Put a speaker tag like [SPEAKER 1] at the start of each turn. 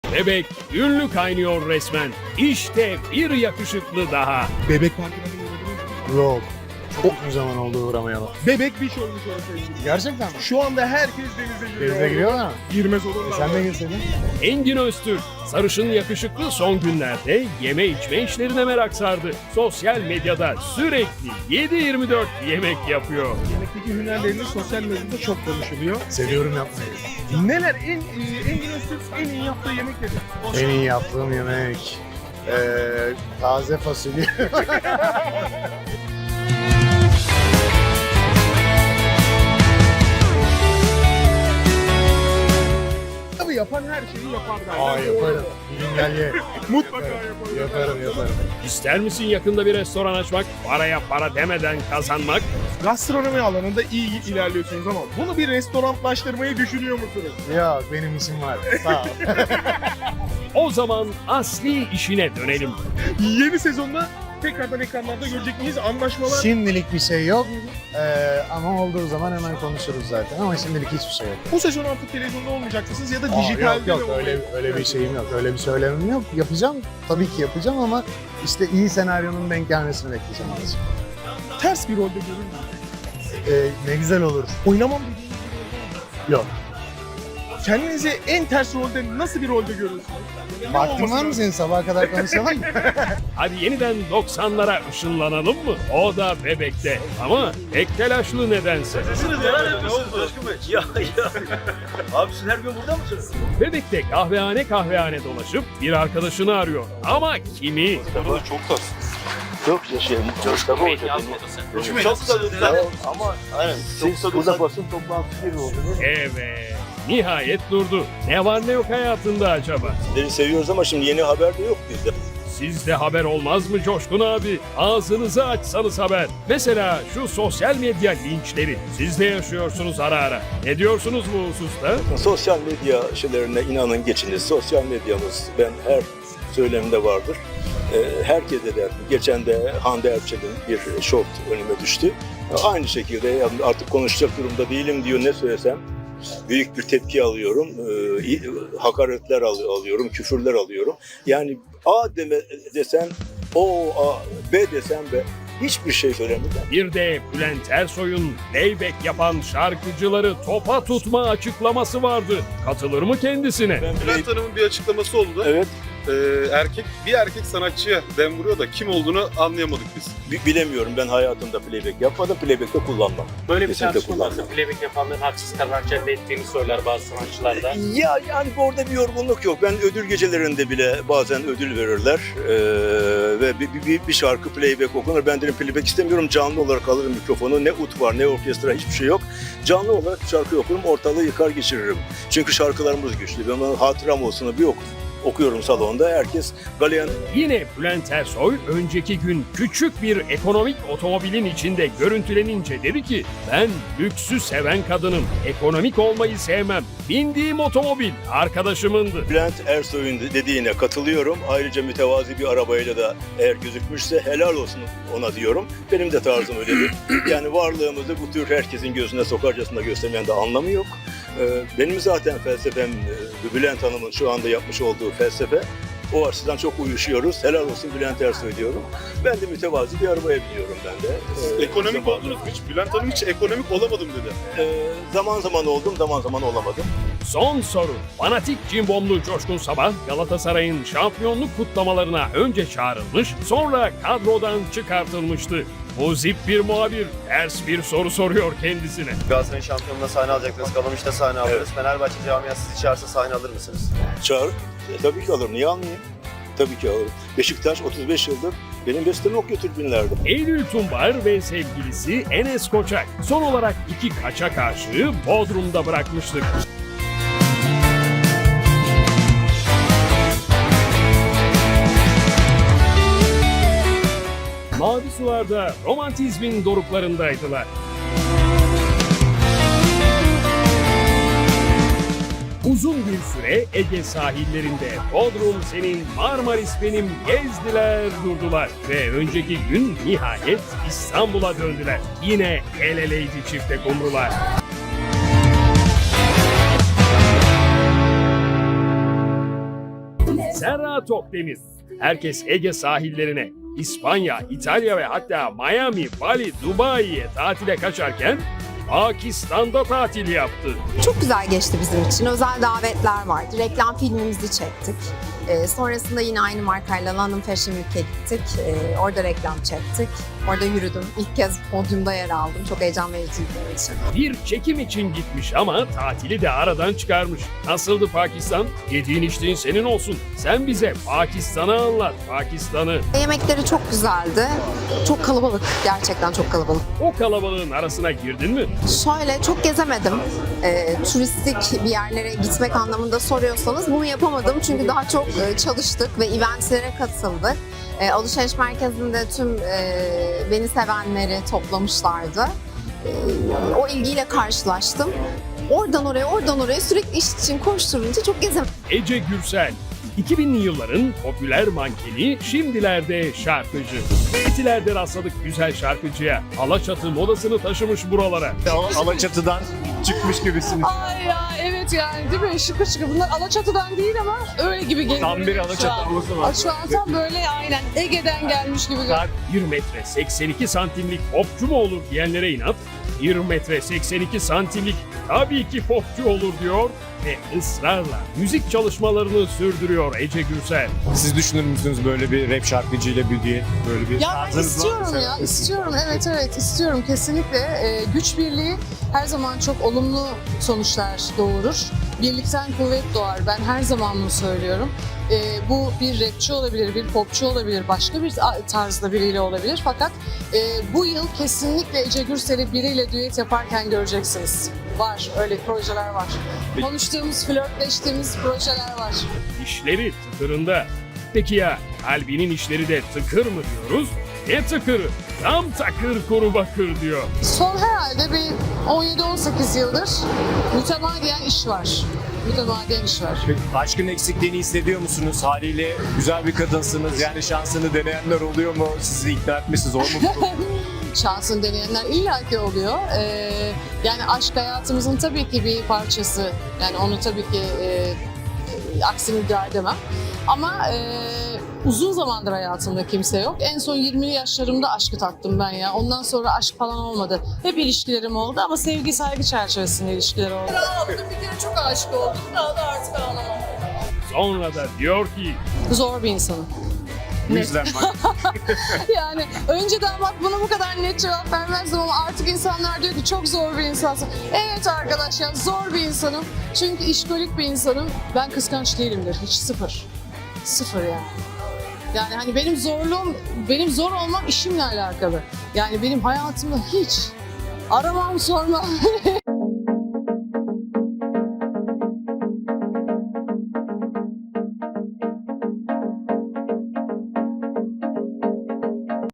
[SPEAKER 1] Bebek ünlü kaynıyor resmen. İşte bir yakışıklı daha.
[SPEAKER 2] Bebek Parkı'na bir uğradınız mı?
[SPEAKER 3] Yok. Çok uzun zaman oldu uğramayalım.
[SPEAKER 2] Bebek bir şey olmuş orası ilgili.
[SPEAKER 3] Gerçekten mi?
[SPEAKER 2] Şu anda herkes denize giriyor.
[SPEAKER 3] Denize giriyorlar mı?
[SPEAKER 2] Girmez olurlar.
[SPEAKER 3] Sen de girseydin.
[SPEAKER 1] Engin Öztürk, sarışın yakışıklı son günlerde yeme içme işlerine merak sardı. Sosyal medyada sürekli 7/24 yemek yapıyor.
[SPEAKER 2] Yemekteki hünerleriniz sosyal medyada çok konuşuluyor.
[SPEAKER 3] Seviyorum yapmayı.
[SPEAKER 2] Neler Engin Öztürk en iyi yaptığı yemek nedir?
[SPEAKER 3] En iyi yaptığım yemek. Taze fasulye.
[SPEAKER 2] Tabii yapan her şeyi yapar derler.
[SPEAKER 3] Aa yaparım. Bir gün gel ye.
[SPEAKER 2] Mutlaka yaparım.
[SPEAKER 3] Yaparım.
[SPEAKER 1] İster misin yakında bir restoran açmak, paraya para demeden kazanmak?
[SPEAKER 2] Gastronomi alanında iyi ilerliyorsunuz ama bunu bir restoranlaştırmayı düşünüyor musunuz?
[SPEAKER 3] Ya benim işim var. Sağ ol.
[SPEAKER 1] O zaman asli işine dönelim.
[SPEAKER 2] Yeni sezonda tekrardan ekranlarda görecek miyiz? Anlaşmalar.
[SPEAKER 3] Şimdilik bir şey yok. Ama olduğu zaman hemen konuşuruz zaten. Ama şimdilik hiçbir şey yok.
[SPEAKER 2] Bu sezon artık televizyonda olmayacaksınız ya da
[SPEAKER 3] Aa,
[SPEAKER 2] dijitalde
[SPEAKER 3] yok
[SPEAKER 2] mi
[SPEAKER 3] öyle bir şeyim yok. Öyle bir söylemim yok. Yapacağım. Tabii ki yapacağım ama işte iyi senaryonun denk gelmesini bekleyeceğim azıcık.
[SPEAKER 2] Ters bir rolde görür müsünüz?
[SPEAKER 3] Ne güzel olur.
[SPEAKER 2] Oynamam dediğiniz bir rol var mı?
[SPEAKER 3] Yok.
[SPEAKER 2] Kendinizi en ters rolde nasıl bir rolde görürsünüz? Ne
[SPEAKER 3] Vaktin
[SPEAKER 2] olması
[SPEAKER 3] var mı
[SPEAKER 2] lazım?
[SPEAKER 3] senin sabaha kadar konuşalım mı?
[SPEAKER 1] Hadi yeniden 90'lara ışınlanalım mı? O da bebekte ama pek telaşlı nedense.
[SPEAKER 4] Neler yapıyorsunuz Coşkun Bey? Ya. Abi siz her gün burada mısınız?
[SPEAKER 1] Bebekte kahvehane dolaşıp bir arkadaşını arıyor. Ama kimi?
[SPEAKER 4] Burada çok tatsız. Çok yaşayalım. Coşkun Bey yazmadısın. Çok tadı. Ama aynen. Siz burada basın toplantısı gibi oldunuz.
[SPEAKER 1] Evet. Nihayet durdu. Ne var ne yok hayatında acaba?
[SPEAKER 4] Sizleri seviyoruz ama şimdi yeni haber de yok bizde.
[SPEAKER 1] Sizde haber olmaz mı Coşkun abi? Ağzınızı açsanız haber. Mesela şu sosyal medya linçleri. Siz de yaşıyorsunuz ara ara. Ne diyorsunuz bu hususta?
[SPEAKER 4] Sosyal medya şeylerine inanın geçiniz. Sosyal medyamız ben her söylemde vardır. Herkese der. Geçen de Hande Erçel'in bir short önüme düştü. Aynı şekilde yani artık konuşacak durumda değilim diyor, ne söylesem büyük bir tepki alıyorum. Hakaretler alıyorum, küfürler alıyorum. Yani A desen O, A, B desen B. Hiçbir şey söylemedim.
[SPEAKER 1] Bir de Bülent Ersoy'un playback yapan şarkıcıları topa tutma açıklaması vardı. Katılır mı kendisine?
[SPEAKER 5] Bülent Hanım'ın bir açıklaması oldu.
[SPEAKER 4] Evet.
[SPEAKER 5] Bir erkek sanatçıya dem vuruyor da kim olduğunu anlayamadık biz.
[SPEAKER 4] Bilemiyorum, ben hayatımda playback yapmadım, playback de kullanmam.
[SPEAKER 6] Böyle bir
[SPEAKER 4] Kesinlikle
[SPEAKER 6] tartışma
[SPEAKER 4] kullanmam.
[SPEAKER 6] varsa playback yapanların haksız kazanç elde ettiğini söyler bazı sanatçılar da.
[SPEAKER 4] Ya yani orada bir yorgunluk yok. Ben ödül gecelerinde bile bazen ödül verirler ve bir şarkı playback okunur. Ben derim playback istemiyorum, canlı olarak alırım mikrofonu. Ne ut var ne orkestra, hiçbir şey yok. Canlı olarak şarkı okurum, ortalığı yıkar geçiririm. Çünkü şarkılarımız güçlü. Ben hatıram olsun bir okuyorum salonda, herkes galeyan.
[SPEAKER 1] Yine Bülent Ersoy önceki gün küçük bir ekonomik otomobilin içinde görüntülenince dedi ki ben lüksü seven kadınım, ekonomik olmayı sevmem. Bindiğim otomobil arkadaşımındı.
[SPEAKER 4] Bülent Ersoy'un dediğine katılıyorum. Ayrıca mütevazi bir arabayla da eğer gözükmüşse helal olsun ona diyorum. Benim de tarzım öyledir. Yani varlığımızı bu tür herkesin gözüne sokarcasına göstermeyen de anlamı yok. Benim zaten felsefem Bülent Hanım'ın şu anda yapmış olduğu felsefe. O açıdan çok uyuşuyoruz. Helal olsun Bülent Ersoy diyorum. Ben de mütevazi bir arabaya biniyorum ben de.
[SPEAKER 5] Ekonomik oldunuz mu hiç? Bülent Hanım hiç ekonomik olamadım dedi.
[SPEAKER 4] Zaman zaman oldum, zaman zaman olamadım.
[SPEAKER 1] Son soru. Fanatik cimbomlu Coşkun Sabah Galatasaray'ın şampiyonluk kutlamalarına önce çağrılmış, sonra kadrodan çıkartılmıştı. Muzip bir muhabir ters bir soru soruyor kendisine.
[SPEAKER 7] Galatasaray'ın şampiyonluğuna sahne alacaksınız. Kalamış'ta sahne alırız.
[SPEAKER 4] Evet.
[SPEAKER 7] Fenerbahçe camiası sizi çağırsa sahne alır mısınız?
[SPEAKER 4] Çağır. Tabii ki alırım. Niye almayayım? Tabii ki alırım. Beşiktaş 35 yıldır benim bestemi okuyor tribünlerde.
[SPEAKER 1] Eylül Tumbar ve sevgilisi Enes Koçak son olarak 2 kaçak aşığı Bodrum'da bırakmıştık. Mavi sularda romantizmin doruklarındaydılar. Uzun bir süre Ege sahillerinde Bodrum senin, Marmaris benim gezdiler durdular. Ve önceki gün nihayet İstanbul'a döndüler. Yine el eleydi çifte kumrular. Serra Tokdemir. Herkes Ege sahillerine, İspanya, İtalya ve hatta Miami, Bali, Dubai'ye tatile kaçarken Pakistan'da tatil yaptı.
[SPEAKER 8] Çok güzel geçti bizim için. Özel davetler vardı. Reklam filmimizi çektik. Sonrasında yine aynı markayla London Fashion Week'e gittik. Orada reklam çektik. Orada yürüdüm. İlk kez podyumda yer aldım. Çok heyecan vericiydi benim için.
[SPEAKER 1] Bir çekim için gitmiş ama tatili de aradan çıkarmış. Nasıldı Pakistan? Yediğin içtiğin senin olsun. Sen bize Pakistan'ı anlat, Pakistan'ı.
[SPEAKER 8] Yemekleri çok güzeldi. Çok kalabalık. Gerçekten çok kalabalık.
[SPEAKER 1] O kalabalığın arasına girdin mi?
[SPEAKER 8] Şöyle çok gezemedim. Turistik bir yerlere gitmek anlamında soruyorsanız bunu yapamadım. Çünkü daha çok çalıştık ve eventlere katıldık. Alışveriş merkezinde tüm beni sevenleri toplamışlardı. O ilgiyle karşılaştım. Oradan oraya sürekli iş için koşturunca çok gezemedim.
[SPEAKER 1] Ece Gürsel. 2000'li yılların popüler mankeni, şimdilerde şarkıcı. Etiler'de rastladık güzel şarkıcıya. Alaçatı modasını taşımış buralara.
[SPEAKER 9] Alaçatı'dan çıkmış gibisiniz.
[SPEAKER 10] Ay ya evet yani değil mi? Şıkır şıkır. Bunlar Alaçatı'dan değil ama öyle gibi geliyor.
[SPEAKER 9] Tam bir
[SPEAKER 10] şu
[SPEAKER 9] Alaçatı
[SPEAKER 10] an.
[SPEAKER 9] havası var.
[SPEAKER 10] Şu an tam böyle aynen Ege'den gelmiş gibi.
[SPEAKER 1] 1 metre 82 santimlik popçu mu olur diyenlere inat, 1 metre 82 santimlik tabii ki popçu olur diyor ve ısrarla müzik çalışmalarını sürdürüyor Ece Gürsel.
[SPEAKER 9] Siz düşünür müsünüz böyle bir rap şarkıcıyla bir diye böyle bir
[SPEAKER 10] Ya ben
[SPEAKER 9] tarzınız var mı?
[SPEAKER 10] istiyorum ya, istiyorum. Evet istiyorum kesinlikle. Güç birliği her zaman çok olumlu sonuçlar doğurur. Birlikten kuvvet doğar. Ben her zaman bunu söylüyorum. Bu bir rapçi olabilir, bir popçu olabilir, başka bir tarzda biriyle olabilir. Fakat bu yıl kesinlikle Ece Gürsel'i biriyle düet yaparken göreceksiniz. Var, öyle projeler var. Konuştuğumuz, flörtleştiğimiz projeler var.
[SPEAKER 1] İşleri tıkırında. Peki ya kalbinin işleri de tıkır mı diyoruz? Ne tıkırı? Tam takır kuru bakır diyor.
[SPEAKER 10] Son herhalde bir 17-18 yıldır mütemadiyen iş var. Mütemadiyen iş var.
[SPEAKER 9] Aşkın eksikliğini hissediyor musunuz? Haliyle güzel bir kadınsınız. Yani şansını deneyenler oluyor mu? Sizi ikna etmesi zor mu?
[SPEAKER 10] Şansını deneyenler illaki oluyor. Yani aşk hayatımızın tabii ki bir parçası. Yani onu tabii ki aksini iddia edemem. Ama uzun zamandır hayatımda kimse yok. En son 20'li yaşlarımda aşkı tattım ben ya. Ondan sonra aşk falan olmadı. Hep ilişkilerim oldu ama sevgi saygı çerçevesinde ilişkiler oldu. Bir kere çok aşık oldum. Daha da artık ağlamam.
[SPEAKER 1] Sonra da diyor ki
[SPEAKER 10] Zor bir insanım.
[SPEAKER 9] Bu yüzden bak.
[SPEAKER 10] Yani önceden bak buna bu kadar net cevap vermezdim ama artık insanlar diyor ki çok zor bir insansın. Evet arkadaşlar zor bir insanım. Çünkü işkolik bir insanım. Ben kıskanç değilimdir. Hiç sıfır. Sıfır yani. Yani hani benim zor olmam işimle alakalı. Yani benim hayatımda hiç aramam sormam.